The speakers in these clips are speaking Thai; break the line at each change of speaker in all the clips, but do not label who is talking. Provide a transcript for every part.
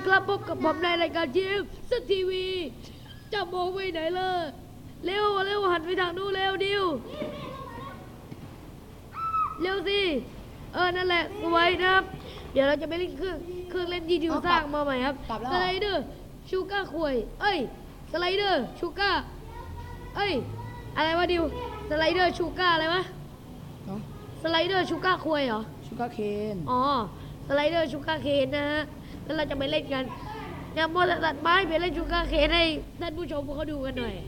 ครับพบกับผมในรายการทีมสทีวีจะมองไปไหนเลยเร็วหันไปทางนู้นเร็วดิวเร็วสินั่นแหละสวยนะครับเดี๋ยวเราจะไปเล่นเครื่องเล่นที่ดิวสร้างมาใหม่ครับสไลเดอร์ชูก้าควยสไลเดอร์ชูก้าอะไรวะดิวสไลเดอร์ชูก้าอะไรวะสไลเดอร์ชูก้าควยเหรอ
ชูการ์เคน
สไลเดอร์ชูการ์เคนนะฮะแล้วเราจะไปเล่นกันอย่ามัวแต่ตัดไม้ไปเล่นชูการ์เคนให้ท่านผู้ชมเขาดูกันหน่อย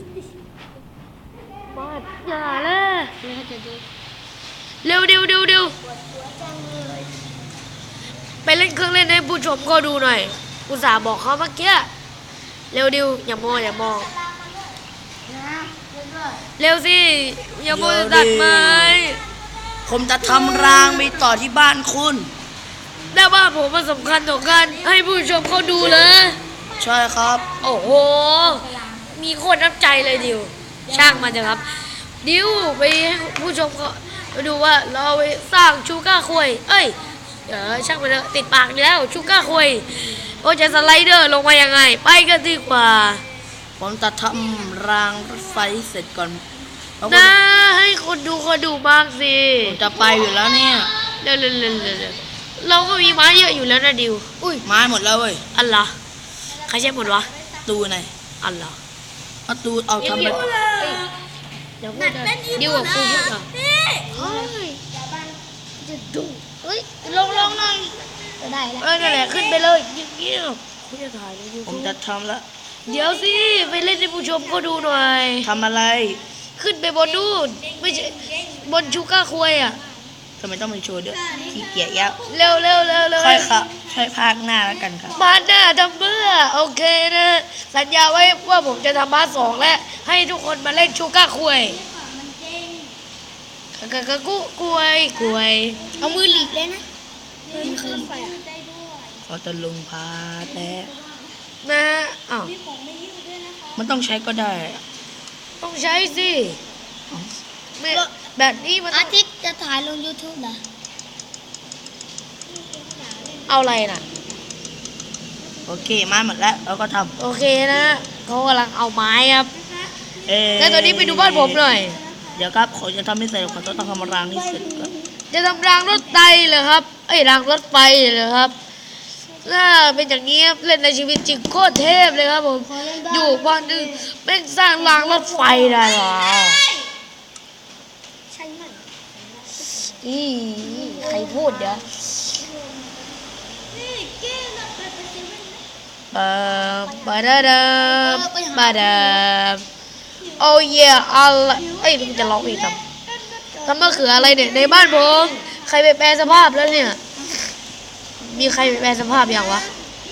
มาอย่าเลยเร็วไปเล่นเครื่องเล่นให้ผู้ชมก็ดูหน่อยอุตส่าห์บอกเขาเมื่อกี้เร็วดิวอย่ามองเร็วสิอย่ามัวแต่ตัดไม้
ผมจะทำรางไปต่อที่บ้านคุณ
แต่ว่าผมมันสำคัญต่อการให้ผู้ชมเขาดูเลย
ใช่ครับ
โอ้โหมีคนน้ำใจเลยดิวช่างมันเถอะครับดิวไปให้ผู้ชมเขาดูว่าเราไปสร้างชูก้าควยช่างมันเถอะติดปากแล้วชูก้าควยโอ้จะสไลเดอร์ลงมายังไงไปกันดีกว่า
ผมจะทำรางรถไฟเสร็จก่อน
นะให้คนดูบ้างสิ
ผมจะไปอยู่แล้วเนี่ย
เร็วเราก็มีไม้เยอะอยู่แล้วนะดิว
ไม้หมดแล้วเว้ย
อันละใครใช้หมดวะ
ตูไหน
อันละ
ตูเอาทำแบบ
เดี๋ยวดิวกับกูพูดอ่ะจะดูลงหน่อยจะได้แล้วนั่นแหละขึ้นไปเลยเงี้ยคุณจะถ่ายเลย
ผมจะทำแล้ว
เดี๋ยวสิไปเล่นให้ผู้ชมก็ดูหน่อย
ทำอะไร
ขึ้นไปบนนู่นไม่ใช่บนชูก้าควยอ่ะ
ทำไมต้องมีโชว์ด้วยขี้เกียจยะ
เร็ว
ค่อยครับค่อยพากหน้าแล้วกันครับ
พาร์ทหน้าทำเพื่อโอเคนะสัญญาไว้ว่าผมจะทำพาร์ทสองและให้ทุกคนมาเล่นชูก้าควยกล้วย
เอามือหลีกเลยนะ
เขาจะลงพาแต่
นะ
มันต้องใช้ก็ได้
ต้องใช้สิแบบนี้มัน
อาทิตย์จะถ่ายลง YouTube นะ
เอาอะไรน่ะ
โอเคมาหมดแล้วเราก็ท
ำโอเคนะเขากำลังเอาไม้ครับแล้วตอนนี้ไปดูบ้านผมหน่อย
เดี๋ยวครับเขาจะทำให้เสร็จเขาต้องทำรางนี้เสร็จก่อน
จะทำรางรถไฟเหรอครับรางรถไฟเหรอครับถ้าเป็นอย่างนี้เล่นในชีวิตจริงโคตรเทพเลยครับผมอยู่บ้านนึงเป็นสร้างรางรถไฟได้หรอ
ใช่ไหม
ใครพูดเดี๋ยวบาดาโอ้ยอะไรมันจะร้องอีกทำมะเขืออะไรเนี่ยในบ้านผมใครไปแปลสภาพแล้วเนี่ยมีใครไปแปลสภาพอย่างวะ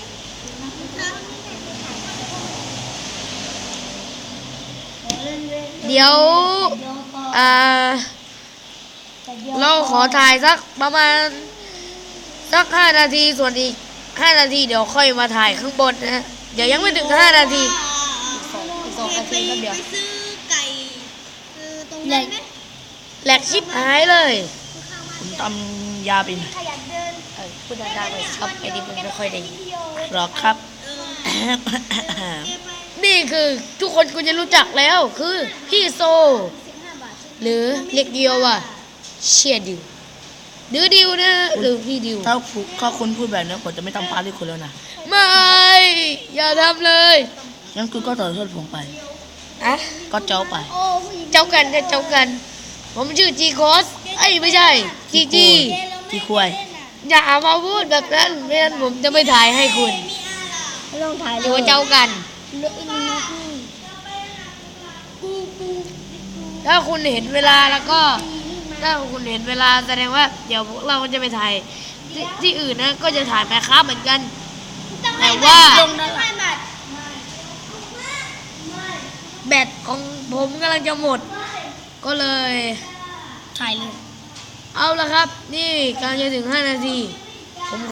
เดี๋ยวเราขอถ่ายสักประมาณสัก5 นาทีส่วนอีก5 นาทีเดี๋ยวค่อยมาถ่ายข้างบนนะเดี๋ยวยังไม่ถึง5 นาที2 นาทีแล้วเดี๋ยวแหลกชิบหายเลย
ผมทำยาเป็น
พูดดังๆเลยครับไอ้นี่มันไม่ค่อยได้
หรอกครับ
นี่คือทุกคนคุณจะรู้จักแล้วคือพี่โซหรือเรียกเดียวว่าเชียดิวหรือดิวนะหรือพี่ดิว
ถ้าคุณพูดแบบนี้ผมจะไม่ทำพาร์ทที่คุณแล้วนะ
ไม่อย่าทำเลย
งั้นคุณก็ต่อโทษผมไปก็เจ้าไป
เจ้ากันผมชื่อจีโคสไม่ใช่
จีควาย
อย่ามาพูดแบบนั้นไม่งั้นผมจะไม่ถ่ายให้คุณ
ไม่ต้องถ่ายเลย
เจ้ากันถ้าคุณเห็นเวลาแล้วก็ถ้าคุณเห็นเวลาแสดงว่าเดี๋ยวพวกเราจะไปถ่ายที่อื่นนะก็จะถ่ายไปครับเหมือนกันแต่ว่าแบตของผมกำลังจะหมดก็เลย
ถ่ายเลย
เอาละครับนี่กำลังจะถึง5 นาที